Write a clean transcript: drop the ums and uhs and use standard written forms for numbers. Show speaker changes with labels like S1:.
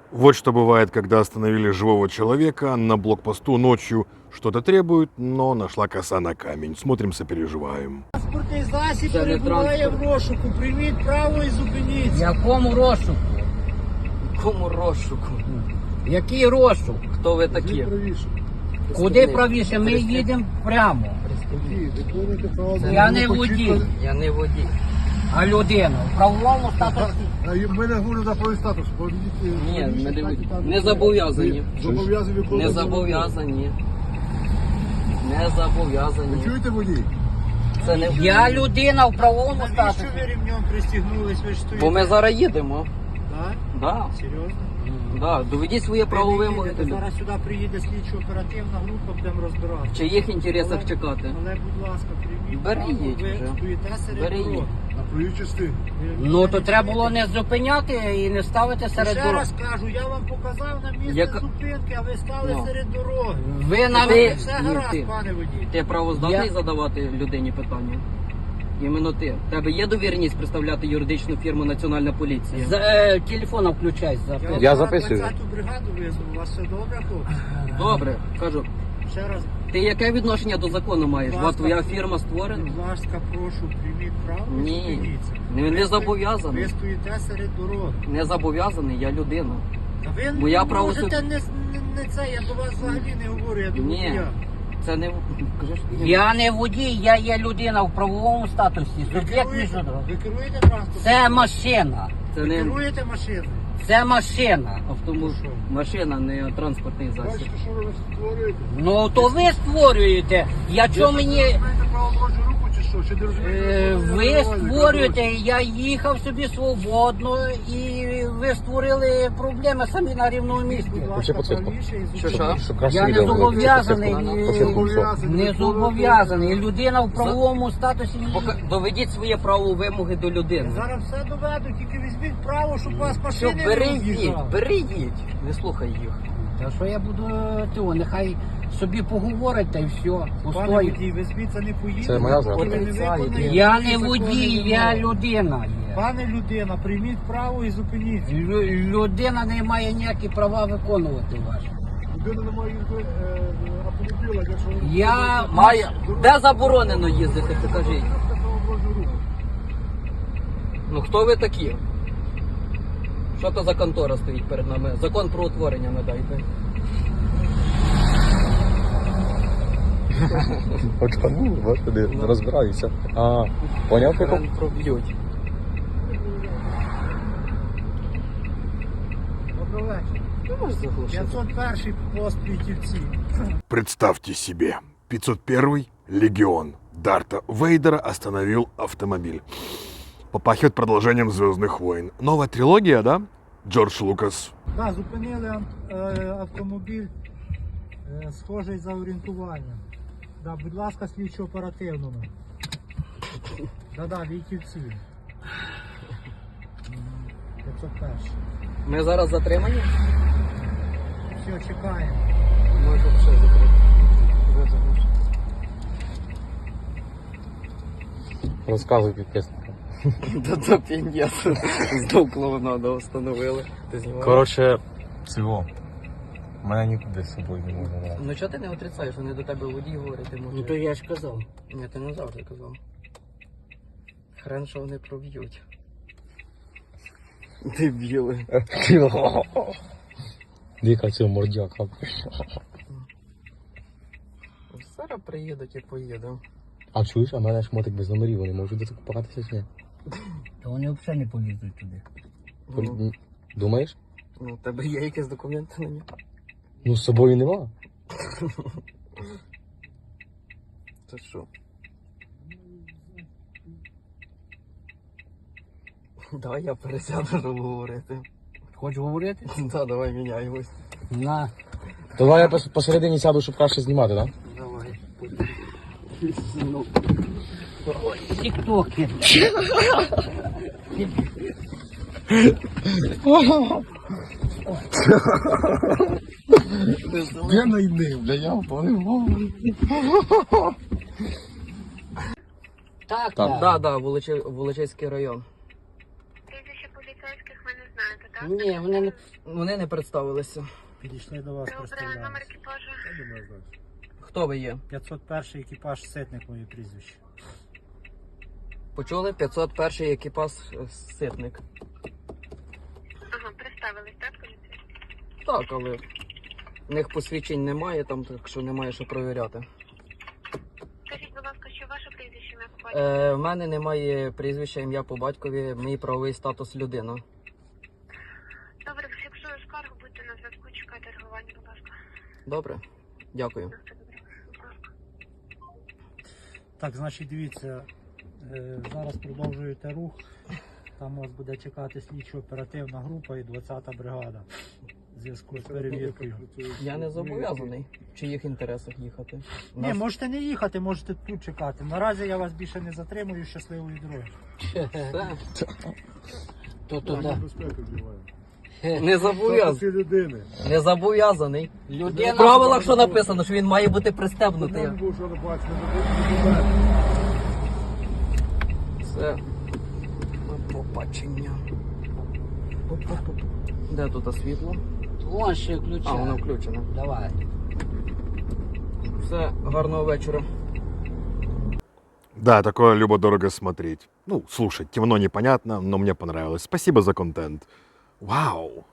S1: Вот что бывает, когда остановили живого человека на блокпосту ночью. Что-то требует, но нашла коса на камень. Смотрим, сопереживаем.
S2: Транспортний засіб
S3: Це не
S2: перебуває в
S3: транспорт.
S2: розшуку. Прийміть право і зупиніться.
S4: Якому розшуку?
S3: Кому розшуку?
S4: Який розшук?
S3: Хто ви такі?
S4: Куди правіше? Ми їдемо прямо. Я не водій,
S3: Я не водій.
S4: а людина. В правовому статусі.
S2: Ми не говоримо за правий статус.
S3: Ні, ми не зобов'язані.
S2: Зобов'язані
S3: Не зобов'язані. Не зобов'язані.
S2: Чуєте водій?
S3: Це не
S4: Я людина в правовому
S2: Навіщо
S4: статусі.
S2: ви ремнем пристігнулись? Ви ж стоїте?
S3: Бо ми зараз їдемо.
S2: Так?
S3: Да.
S2: Серйозно?
S3: Да. Доведіть своє право
S2: Ви не
S3: вимоги.
S2: їдете. Зараз сюди приїде слідчо-оперативна група, будемо розбиратися.
S3: В чиїх інтересах чекати?
S2: Але, будь ласка, прийміть
S3: Бери
S2: право,
S3: їдь
S2: ви
S3: вже.
S2: стоїте серед
S3: Бери
S2: дороги.
S3: їдь.
S2: На проїжджій частині.
S4: Ну то треба було не зупиняти і не ставити серед
S2: Ще
S4: дороги.
S2: раз кажу, я вам показав на місце
S3: Яка-
S2: зупинки, а ви стали
S3: Ну.
S2: серед дороги.
S4: Ви на
S3: Ти-
S2: Все
S3: ні,
S2: гаразд,
S3: ти.
S2: пане водій.
S3: Ти правоздатний
S4: Я-
S3: задавати людині питання? Іменно ти. В тебе є довіреність представляти юридичну фірму Національна поліція?
S4: Телефона включай, записуй.
S5: Я
S2: зараз
S5: записую.
S2: 20-ту бригаду визву. У вас все добре, хлопці?
S3: Добре, кажу.
S2: Ще раз,
S3: Ти яке відношення до закону маєш?
S2: Будь
S3: От
S2: ласка.
S3: твоя фірма створена?
S2: будь ласка, прошу, прийміть право і
S3: Ні.
S2: зупиніться.
S3: Не зобов'язаний.
S2: Ви стоїте серед дороги.
S3: Не зобов'язаний, я людина.
S2: Та ви
S3: Бо я
S2: не
S3: право
S2: можете не це, я до вас взагалі не говорю, я до
S3: Ні.
S2: водія.
S3: Це не кажеш?
S4: Я не водій, я є людина в правовому статусі.
S2: Ви
S4: Суб'єкт
S2: керуєте,
S4: міжнародного.
S2: ви керуєте транспортом?
S4: Це машина.
S3: Це
S2: Ви
S3: не
S2: керуєте машиною?
S4: Це машина.
S3: автомобіль, машина, не транспортний засіб.
S2: що ви створюєте?
S4: Ну то ви створюєте. Я чого мені.
S2: маєте право дорожню руху чи що? Чи не розумієте?
S4: Ви створюєте, я їхав собі свободно і ви створили проблеми самі на рівному місці.
S2: Будь
S5: Вообще
S2: ласка,
S5: подсвітку.
S2: правіше і
S3: Що,
S2: зупиніться.
S5: Щоб краще
S4: Я не
S5: відео було.
S4: зобов'язаний,
S5: Подсвітку, все.
S4: не зобов'язаний. Людина в правовому статусі.
S3: Доведіть своє право вимоги до людини.
S2: Зараз все доведу, тільки візьміть право, щоб вас
S3: Все,
S2: машини
S3: бери
S2: не
S3: їдь,
S2: роз'їжджали.
S3: бери їдь. Не слухай їх.
S4: Та що я буду цього, нехай собі поговорить та й все.
S2: Пане
S4: Пустою.
S2: водій, ви звідси не поїдете.
S5: Це моя
S2: поки ви не
S3: зрада.
S2: виконаєте
S4: Я не
S2: законні
S4: водій, я
S2: вимоги.
S4: людина є.
S2: Пане людина, прийміть право і зупиніться.
S4: Людина не має ніякі права виконувати ваші.
S2: Людина не має автомобіля, якщо
S4: Я
S3: Має. Де заборонено їздити, покажіть. Ну хто ви такі? Що то за контора стоїть перед нами? Закон про утворення надайте.
S5: Очкану, господи, розбираюся. А, поняв, прикол?
S3: Хрен проб'ють.
S2: Доброго вечора.
S3: Ти можеш заглушити?
S2: 501 пост Вітівці.
S1: Представьте себе, 501 легион Дарта Вейдера остановил автомобиль. Попахивает продолжением «Звездных войн». Новая трилогия, да? Джордж Лукас.
S2: Да, зупинили автомобіль, схожий за орієнтуванням. Да, будь ласка, слідчо оперативному. Да, Вітівці. 501.
S3: Ми зараз затримані?
S2: Все, чекаємо.
S3: Може ще закрити.
S5: Розказуй підписникам.
S3: Та це пін'єс. Знов клоунаду встановили. Ти знімаєш?
S5: Коротше, цього. Мене нікуди з собою не можна брати.
S3: Ну чого ти не отрицаєш? Вони до тебе водій говорити
S4: Ну
S3: можуть.
S4: то я ж казав.
S3: Ні, ти не завжди казав. Хрен, що вони проб'ють. Дебіли.
S5: Дика цього мордяка.
S3: Зараз приїдуть і поїдемо.
S5: А чуєш, а в мене шмотик без номерів, вони можуть докупатися чи ні?
S4: То вони взагалі не полізуть туди.
S3: Ну,
S5: Думаєш?
S3: у тебе є якісь документи на нього?
S5: Ну з собою нема.
S3: Це що? Давай я пересяду, щоб говорити.
S4: Хочеш говорити?
S3: Так, давай міняємось.
S4: На.
S5: Давай я посередині сяду, щоб краще знімати, так?
S3: Давай.
S4: Тіктоки.
S5: Я найди, бля, я впливав.
S4: Так,
S5: Так.
S3: Да, Волочиський район.
S6: Прізвище поліцейських ви не знаєте,
S4: Ні,
S3: Вони не представилися.
S2: Підійшли до вас,
S6: Добре, номер
S2: представлялися.
S6: екіпажу.
S3: Хто ви є?
S2: 501 екіпаж Ситник, моє прізвище.
S3: Почули? 501 екіпаж Ситник.
S6: Ага, представились, так, поліція?
S3: Так, але в них посвідчень немає, там, так що немає що перевіряти.
S6: Скажіть, будь ласка, що ваше прізвище ім'я по батькові?
S3: В мене немає прізвища, ім'я по батькові, мій правовий статус людина.
S6: Добре, фіксую скаргу, будьте на зв'язку, чекайте реагування, будь ласка.
S3: Добре? Дякую.
S6: На все добре. Будь ласка.
S2: Так, значить, дивіться, зараз продовжуєте рух. Там вас буде чекати слідчо-оперативна група і 20-та бригада в зв'язку з перевіркою.
S3: Я не зобов'язаний в чиїх інтересах їхати.
S2: Ні, можете не їхати, можете тут чекати. Наразі я вас більше не затримую. Щасливої дороги.
S3: Все.
S4: То туди.
S3: Не зобов'язаний.
S1: людини.
S3: Не зобов'язаний.
S4: Людина.
S3: В правилах що написано, що він має бути пристебнутий. Все. До побачення. Оп-оп-оп. Де тут світло?
S4: Вон ще ключа.
S3: А, воно включене.
S4: Давай.
S3: Все, гарного вечора.
S1: Да, такое любо-дорого смотреть. Ну, слушать, темно непонятно, но мне понравилось. Спасибо за контент. Вау!